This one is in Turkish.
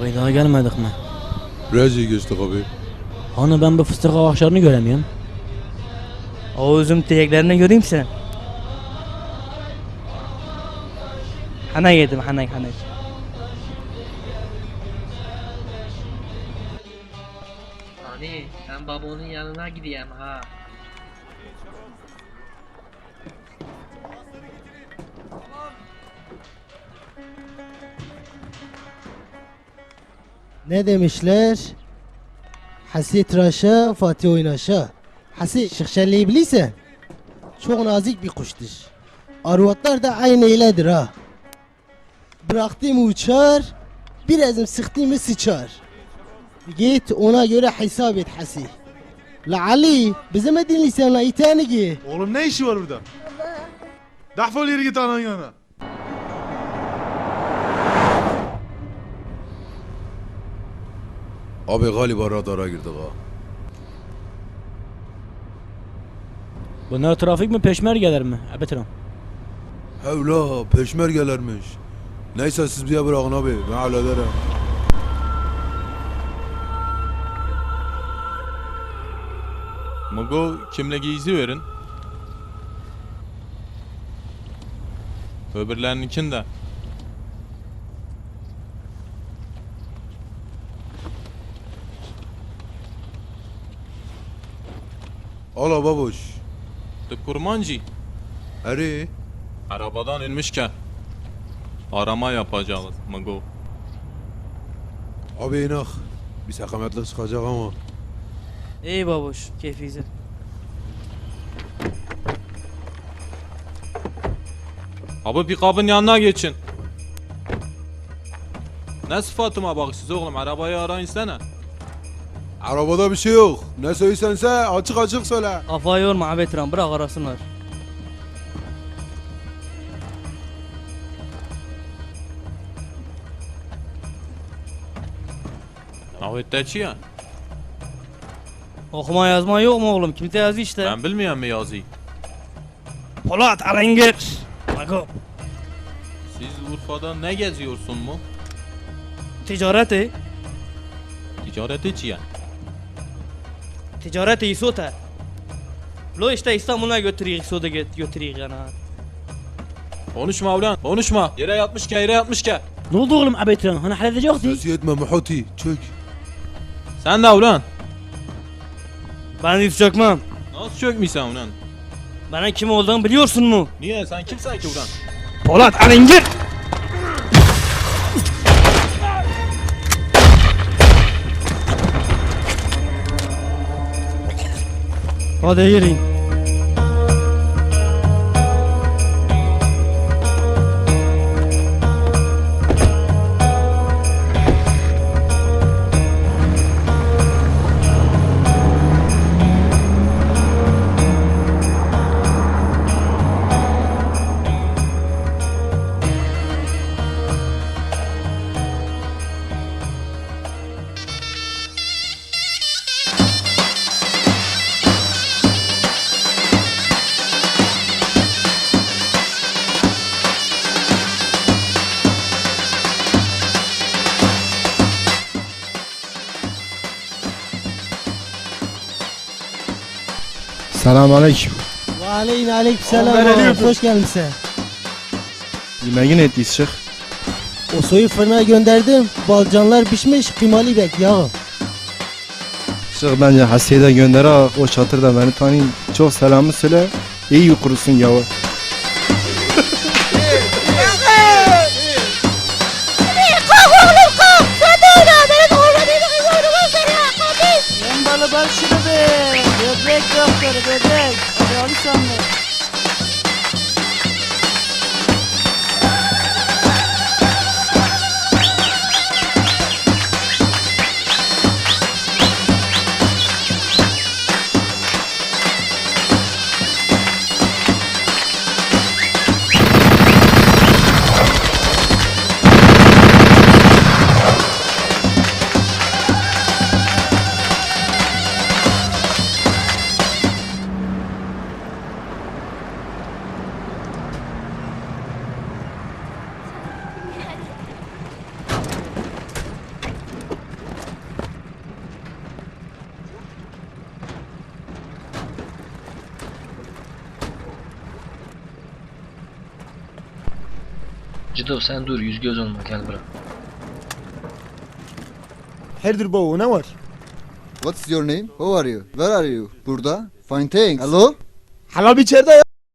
Abi daha gelmedik mi? Biraz iyi geçtik abi. Hani ben bu fıstık ağaçlarını göremiyorum. O üzüm direklerini göreyim sen. Hana yedim hana. Hani ben babamın yanına gideyim ha. Ne demişler? Hasi tıraşa, Fatih oynaşa. Hasi şıkşelliği bilirsen çok nazik bir kuştur. Arvatlar da aynı öyledir ha. Bıraktığım uçar, birazım sıktığımı sıçar. Git ona göre hesap et Hasi. La Ali, bize mi dinliyorsun la iteni ki? Oğlum ne işi var burada? Defol yürü git anan yana. Abi galiba radara girdik ha. Bunlar trafik mi peşmergeler mi? Ebetiram. Hevla peşmergelermiş. Neyse siz bize bırakın abi, ben hallederim. Mugo kimliği izi verin. Öbürlerininkini de. Ala baboş. Kurmancı. Eri. Arabadan inmişken arama yapacağız Mugo. Abi inak. Bir sakametlik çıkacak ama. İyi babuş keyfiyiz. Abi pikabın yanına geçin. Ne sıfatıma bak siz oğlum, arabayı arayın sana. Arabada bir şey yok. Ne söylüyorsansa açık açık söyle. Kafayı yorma abetiran bırak arasınlar. Navette ya? Okuma yazma yok mu oğlum? Kimse yazı işte. Ben bilmiyorum mu yazıyı? Polat Alengir. Bak Siz Urfa'da ne geziyorsun mu? ticareti. Ticareti ya? Ticareti isota. Lo işte İstanbul'a götürüyor, soda götürüyor yani. Konuşma ulan, konuşma. Yere yatmış ke. Ne oldu oğlum Ebetiram? Hani halledecektik. Ses yetme Muhuti. Çök. Sen de ulan. Ben hiç çökmem. Nasıl çökmüşsen ulan? Bana kim olduğunu biliyorsun mu? Niye, sen kimsen ki ulan? Polat Alengir. Hadi yürüyün. Selamünaleyküm. Ve aleyküm selam. Oğlum, ben ölüyordum. Hoş geldin sen. Yemeğin ettiyiz Şeyh. O soyu fırına gönderdim. Balcanlar pişmiş, kıymalı bek yağı. Şeyh bence Hasiye'de de gönder ha. O çatırda beni tanıyın. Çok selamı söyle. İyi kurusun yağı. Yembalı bal şunu be. Böbrek doktoru böbrek. Hadi sanma. Cido sen dur yüz göz olma gel bırak. Hayırdır baba ne var? What's your name? Who are you? Where are you? Burada. Fine thanks. Hello? Hala bir içeride ya.